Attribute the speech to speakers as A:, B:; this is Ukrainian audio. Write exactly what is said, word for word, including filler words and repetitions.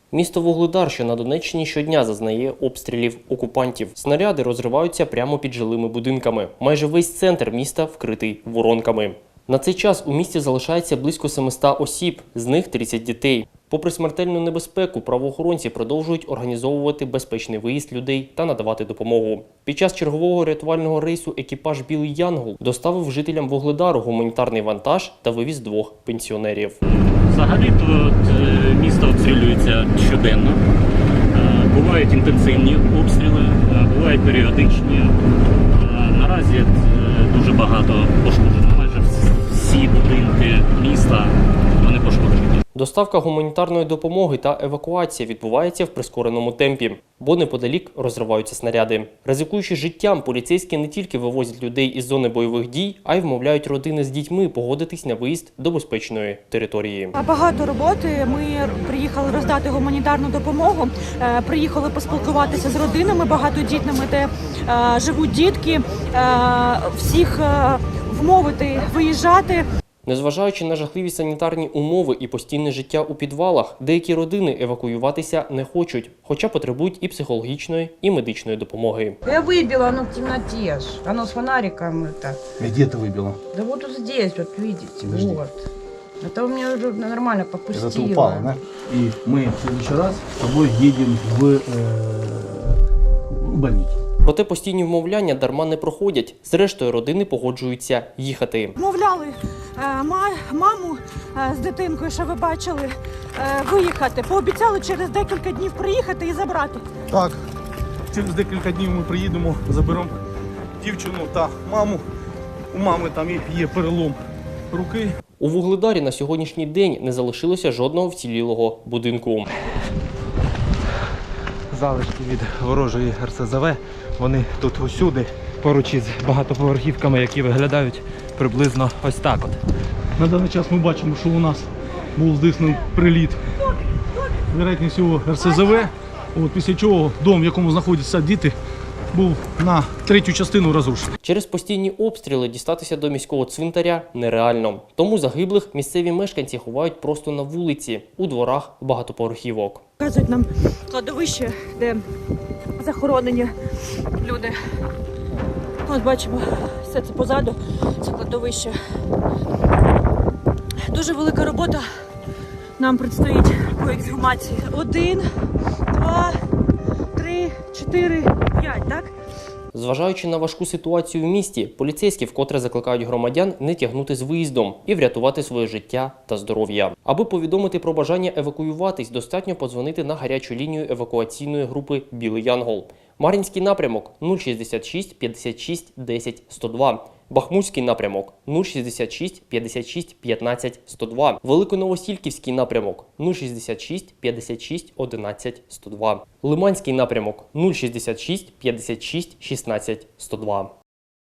A: Місто Вугледар, що на Донеччині, щодня зазнає обстрілів окупантів. Снаряди розриваються прямо під жилими будинками. Майже весь центр міста вкритий воронками. На цей час у місті залишається близько семисот осіб, з них тридцять дітей. Попри смертельну небезпеку, правоохоронці продовжують організовувати безпечний виїзд людей та надавати допомогу. Під час чергового рятувального рейсу екіпаж «Білий Янгол» доставив жителям Вугледару гуманітарний вантаж та вивіз двох пенсіонерів.
B: Взагалі-то місто обстрілюється щоденно. Бувають інтенсивні обстріли, бувають періодичні. Наразі дуже багато пошкоджено. Майже всі будинки міста вони пошкоджені.
A: Доставка гуманітарної допомоги та евакуація відбувається в прискореному темпі, бо неподалік розриваються снаряди. Ризикуючи життям, поліцейські не тільки вивозять людей із зони бойових дій, а й вмовляють родини з дітьми погодитись на виїзд до безпечної території.
C: Багато роботи. Ми приїхали роздати гуманітарну допомогу, приїхали поспілкуватися з родинами багатодітними, де живуть дітки, всіх вмовити виїжджати.
A: Незважаючи на жахливі санітарні умови і постійне життя у підвалах, деякі родини евакуюватися не хочуть, хоча потребують і психологічної, і медичної допомоги.
D: Я выбила, оно в темноте ж. Оно с фонариком это.
E: Где ты выбила?
D: Да вот вот здесь, вот видите,
E: Подожди.
D: вот. Это у меня уже нормально попустило.
E: Это ты упала, да? И мы в следующий раз с тобой едем в, э, в больницу.
A: Проте постійні вмовляння дарма не проходять. Зрештою, родини погоджуються їхати.
C: Вмовляли маму з дитинкою, що ви бачили, виїхати. Пообіцяли через декілька днів приїхати і забрати.
E: Так, через декілька днів ми приїдемо, заберемо дівчину та маму. У мами там є перелом руки.
A: У Вугледарі на сьогоднішній день не залишилося жодного вцілілого будинку.
F: Залишки від ворожої ер ес зет ве, вони тут усюди, поруч із багатоповерхівками, які виглядають приблизно ось так от.
E: На даний час ми бачимо, що у нас був здійснений приліт, вероятність всього ер ес зет ве, от, після чого дом, в якому знаходяться діти, був на третю частину розрушений.
A: Через постійні обстріли дістатися до міського цвинтаря нереально. Тому загиблих місцеві мешканці ховають просто на вулиці, у дворах багатоповерхівок.
C: Показують нам кладовище, де захоронені люди. Ось бачимо, все це позаду, це кладовище. Дуже велика робота нам предстоїть по ексгумації. Один, два, три, чотири, п'ять, так?
A: Зважаючи на важку ситуацію в місті, поліцейські вкотре закликають громадян не тягнути з виїздом і врятувати своє життя та здоров'я. Аби повідомити про бажання евакуюватись, достатньо подзвонити на гарячу лінію евакуаційної групи «Білий Янгол». Мар'їнський напрямок – нуль шістдесят шість п'ятдесят шість десять сто два. Бахмутський напрямок – нуль шістдесят шість п'ятдесят шість п'ятнадцять сто два. Великоновосілківський напрямок – нуль шістдесят шість п'ятдесят шість одинадцять сто два. Лиманський напрямок – нуль шістдесят шість п'ятдесят шість шістнадцять сто два.